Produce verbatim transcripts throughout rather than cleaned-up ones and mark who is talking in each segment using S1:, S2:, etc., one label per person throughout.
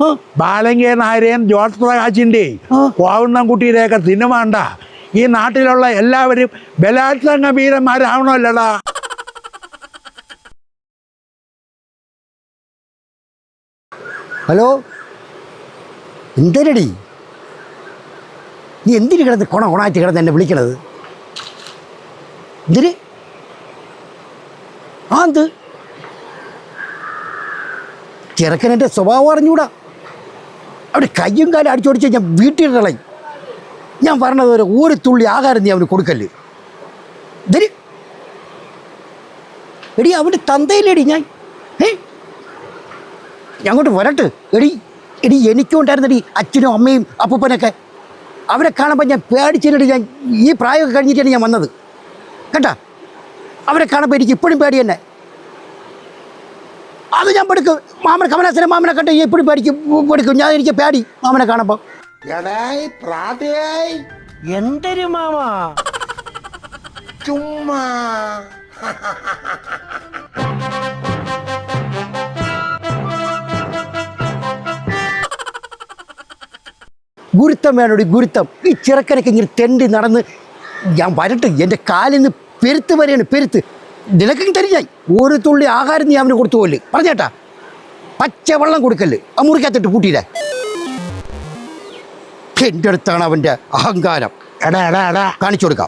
S1: ബാലങ്കേ നായരെയും George പ്രകാശിൻ്റെയും കോവണ്ണൻകുട്ടിയുടെയൊക്കെ cinema ഉണ്ടാ ഈ നാട്ടിലുള്ള എല്ലാവരും ബലാത്സംഗ വീരന്മാരാവണമല്ലടാ.
S2: ഹലോ, എന്തരടി നീ എന്തിന് കിടന്ന് കൊണ കൊണായിട്ട് കിടന്ന് എന്നെ വിളിക്കണത്? എന്തിന്? ആ എന്ത് ചെറുക്കനെൻ്റെ സ്വഭാവം അറിഞ്ഞൂടാ. അവിടെ കയ്യും കാലം അടിച്ചോടിച്ച് ഞാൻ വീട്ടിലിടളയും. ഞാൻ പറഞ്ഞത് ഒരു ഒരു തുള്ളി ആഹാരം നീ അവന് കൊടുക്കല്ലേ. ഇതിന് എടി അവൻ്റെ തന്തയില്ലേടി ഞാൻ. ഏ ഞാൻ അങ്ങോട്ട് വരട്ട്. എടി എടി എനിക്കും ഉണ്ടായിരുന്നടി അച്ഛനും അമ്മയും അപ്പൂപ്പനൊക്കെ. അവരെ കാണുമ്പോൾ ഞാൻ പേടിച്ചിട്ട് ഞാൻ ഈ പ്രായമൊക്കെ കഴിഞ്ഞിട്ടാണ് ഞാൻ വന്നത് കേട്ടാ. അവരെ കാണുമ്പോൾ എനിക്ക് ഇപ്പോഴും പേടി തന്നെ. അത് ഞാൻ പെടുക്കും. മാമനെ കമലാസനെ മാമനെ കണ്ട് എപ്പോഴും പേടിക്കും പെടുക്കും ഞാൻ. എനിക്ക് പേടി മാമനെ കാണുമ്പോൾ. എന്തൊരു മാമ
S1: ചുമ്മാ
S2: ഗുരുത്തം വേണോടി ഗുരുത്തം. ഈ ചെറുക്കനൊക്കെ ഇങ്ങനെ തെണ്ടി നടന്ന് ഞാൻ വരട്ട്. എൻ്റെ കാലിൽ നിന്ന് പെരുത്ത് വരെയാണ് പെരുത്ത്. നിനക്കും തരിഞ്ഞായി ഒരു തുള്ളി ആഹാരം നീ അവന് കൊടുത്തു പോലെ പറഞ്ഞേട്ടാ. പച്ചവെള്ളം കൊടുക്കല്ലേ ആ മുറിക്കകത്തിട്ട് പൂട്ടിയില്ലേ. എൻ്റെ അടുത്താണ് അവൻ്റെ അഹങ്കാരം.
S1: എടാ എടാ എടാ
S2: കാണിച്ചു കൊടുക്കാം.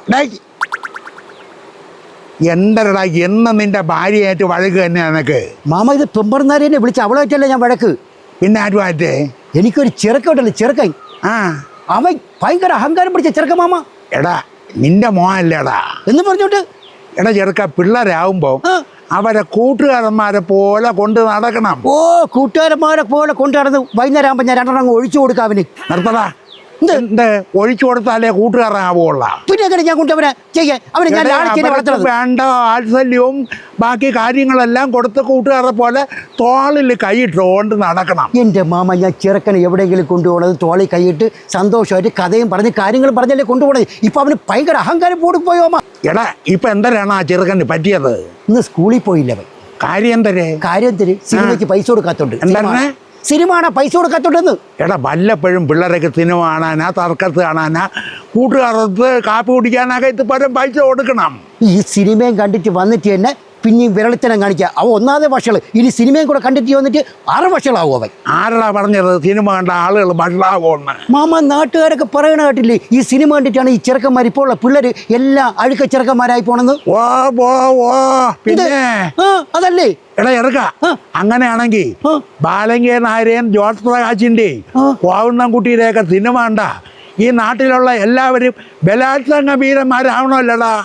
S1: എന്തരടാ എന്ന് നിന്റെ ഭാര്യയായിട്ട് വഴക്ക് തന്നെ നിനക്ക്?
S2: മാമ ഇത് പെമ്പറന്നാരെ എന്നെ വിളിച്ച് അവളായിട്ടല്ലേ ഞാൻ വഴക്ക്.
S1: പിന്നെ ആരുമായിട്ടേ?
S2: എനിക്കൊരു ചെറുക്ക ഉണ്ടല്ലോ ചെറുക്കൻ.
S1: ആ
S2: അവൻ ഭയങ്കര അഹങ്കാരം പിടിച്ച ചെറുക്ക മാമ.
S1: എടാ നിന്റെ മോനല്ലേടാ
S2: എന്ന് പറഞ്ഞോണ്ട്.
S1: എടാ ചെറുക്ക പിള്ളേരാകുമ്പോ അവരെ കൂട്ടുകാരന്മാരെ പോലെ കൊണ്ട് നടക്കണം.
S2: ഓ കൂട്ടുകാരന്മാരെ പോലെ കൊണ്ടു നടന്ന് വൈകുന്നേരം ആകുമ്പോൾ ഞാൻ രണ്ടെണ്ണം ഒഴിച്ചു കൊടുക്കാം അവന്.
S1: നിർത്തടാ. എന്ത് ഒഴിച്ചു കൊടുത്താലേ കൂട്ടുകാരനാവുള്ള?
S2: പിന്നെ എങ്ങനെ ഞാൻ കൊണ്ടവനെ ചെയ്യാൻ അവനെ ഞാൻ വളർത്തുന്നത്?
S1: വേണ്ട വാത്സല്യവും ബാക്കി കാര്യങ്ങളെല്ലാം കൊടുത്ത് കൂട്ടുകാരെ പോലെ തോളിൽ കൈയിട്ടുകൊണ്ട് നടക്കണം.
S2: എൻ്റെ മാമ ഞാൻ ചെറുക്കനെ എവിടെയെങ്കിലും കൊണ്ടുപോകണത് തോളിൽ കൈയിട്ട് സന്തോഷമായിട്ട് കഥയും പറഞ്ഞ് കാര്യങ്ങളും പറഞ്ഞല്ലേ കൊണ്ടുപോകണത്. ഇപ്പൊ അവന് ഭയങ്കര അഹങ്കാരം പോടിപ്പോയോ അമ്മ.
S1: എടാ ഇപ്പൊ എന്തരാണ് ആ ചെറുക്കന് പറ്റിയത്?
S2: ഇന്ന് സ്കൂളിൽ പോയില്ല അവൻ.
S1: കാര്യം എന്തരേ?
S2: കാര്യം എന്തര്? സിനിമയ്ക്ക് പൈസ കൊടുക്കാത്തോണ്ട്.
S1: എന്താണ്
S2: സിനിമ കാണാൻ പൈസ കൊടുക്കാത്തോണ്ടെന്ന്.
S1: എടാ വല്ലപ്പോഴും പിള്ളേരൊക്കെ സിനിമ കാണാനാ തർക്കത്ത് കാണാനാ കൂട്ടുകാരത്ത് കാപ്പി കുടിക്കാനൊക്കെ ഇത് പരം പൈസ കൊടുക്കണം.
S2: ഈ സിനിമയും കണ്ടിട്ട് വന്നിട്ട് തന്നെ പിന്നെയും വിരളിത്തനം കാണിക്കുക. അവ ഒന്നാമത്തെ വഷള്. ഇനി സിനിമയും കൂടെ കണ്ടിട്ട് വന്നിട്ട് ആറ് വഷളാവും അവൻ.
S1: ആരടാ പറഞ്ഞത് സിനിമ കണ്ട ആളുകൾ വഷളാവുമെന്ന്?
S2: മാമ നാട്ടുകാരൊക്കെ പറയണ കേട്ടില്ലേ ഈ സിനിമ കണ്ടിട്ടാണ് ഈ ചെറുക്കന്മാർ ഇപ്പോൾ ഉള്ള പിള്ളേർ എല്ലാം അഴുക്ക ചെറുക്കന്മാരായി പോണെന്ന്.
S1: ഓ ഓ ഓ പിന്നെ
S2: അതല്ലേ
S1: എടാ ചെറുക്ക. അങ്ങനെയാണെങ്കിൽ ബാലങ്കേ നായരെയും ജോർജ് പ്രകാശിൻ്റെയും കോവണ്ണൻകുട്ടിയുടെയൊക്കെ സിനിമ ഉണ്ടാ ഈ നാട്ടിലുള്ള എല്ലാവരും ബലാത്സംഗ വീരന്മാരാവണമല്ലടാ.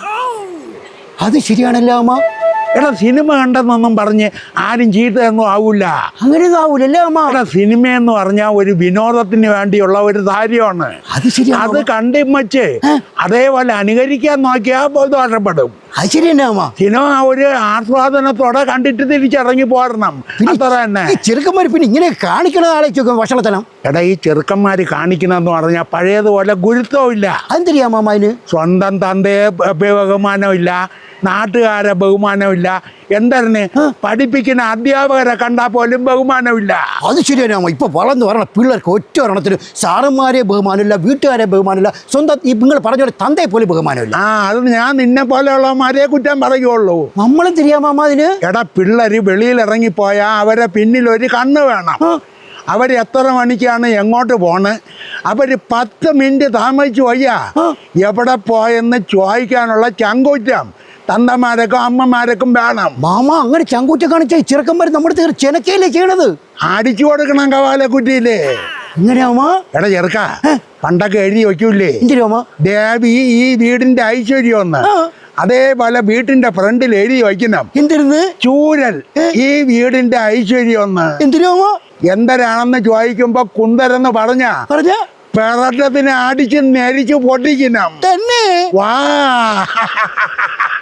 S2: അത് ശരിയാണല്ലോ അമ്മ.
S1: എടാ സിനിമ കണ്ടെന്നൊന്നും പറഞ്ഞ് ആരും ചീത്തയൊന്നും ആവൂല.
S2: അങ്ങനെയൊന്നും ആവൂലല്ലേ അമ്മ.
S1: എടാ സിനിമയെന്ന് പറഞ്ഞാൽ ഒരു വിനോദത്തിന് വേണ്ടിയുള്ള ഒരു കാര്യമാണ്.
S2: അത് ശരി.
S1: അത് കണ്ടും വെച്ച് അതേപോലെ അനുകരിക്കാൻ നോക്കിയാൽ ദോഷപ്പെടും.
S2: അത് ശരി തന്നെ അമ്മ.
S1: സിനിമ ഒരു ആസ്വാദനത്തോടെ കണ്ടിട്ട് തിരിച്ചിറങ്ങി പോരണം. അത്ര തന്നെ.
S2: ചെറുക്കന്മാർ പിന്നെ ഇങ്ങനെ കാണിക്കണത് ആലോചിച്ച് വഷളത്തനം.
S1: എടാ ഈ ചെറുക്കന്മാർ കാണിക്കണമെന്ന് പറഞ്ഞാൽ പഴയതുപോലെ ഗുരുത്വമില്ല.
S2: അതെന്തരിയാ മാമ അതിന്?
S1: സ്വന്തം തന്തയെ ബഹുമാനമില്ല, നാട്ടുകാരെ ബഹുമാനമില്ല, എന്തായിരുന്നു പഠിപ്പിക്കുന്ന അധ്യാപകരെ കണ്ടാൽ പോലും ബഹുമാനമില്ല.
S2: അത് ശരിയാണ് അമ്മ. ഇപ്പൊ വളർന്നു വരണ പിള്ളേർക്ക് ഒറ്റ ഒരെണ്ണത്തിന് സാറന്മാരെ ബഹുമാനമില്ല, വീട്ടുകാരെ ബഹുമാനമില്ല, സ്വന്തം ഈ നിങ്ങൾ പറഞ്ഞ പോലെ തന്തയെ പോലും ബഹുമാനമില്ല.
S1: ആ അത് ഞാൻ നിന്നെ പോലെയുള്ളവന്മാരെ കുറ്റം പറയുള്ളൂ.
S2: നമ്മളും തിരിയാ മാമ അതിന്.
S1: എടാ പിള്ളേര് വെളിയിൽ ഇറങ്ങിപ്പോയാൽ അവരെ പിന്നിൽ ഒരു കണ്ണ് വേണം. അവർ എത്ര മണിക്കാണ് എങ്ങോട്ട് പോണ്, അവർ പത്ത് മിനിറ്റ് താമസിച്ചു പോയാ എവിടെ പോയെന്ന് ചോദിക്കാനുള്ള ചങ്കൂറ്റം തന്തമാരൊക്കെ അമ്മമാരൊക്കെ വേണം.
S2: മാമ അങ്ങനെ ചങ്കൂറ്റം കാണിച്ച ചെറുക്കന്മാർ നമ്മുടെ ചെനക്കയിലേ ചെയ്യണത്.
S1: അടിച്ചു കൊടുക്കണം കവാല കുറ്റിയില്ലേ.
S2: ഇങ്ങനെയാമ.
S1: എടാ ചെറുക്ക പണ്ടൊക്കെ എഴുതി വയ്ക്കൂലേ ദേവി ഈ വീടിന്റെ ഐശ്വര്യം ഒന്ന്, അതേപോലെ വീട്ടിന്റെ ഫ്രണ്ടിൽ എഴുതി വയ്ക്കണം എന്തിരുന്ന് ചൂരൽ ഈ വീടിന്റെ ഐശ്വര്യം ഒന്ന്. എന്തിനാമോ എന്തരാണെന്ന് ചോദിക്കുമ്പോ കുന്തരെന്ന് പറഞ്ഞ പറഞ്ഞ പിറട്ടത്തിന് അടിച്ച് നെരിച്ച് പൊട്ടിക്കണം തന്നെ. വാ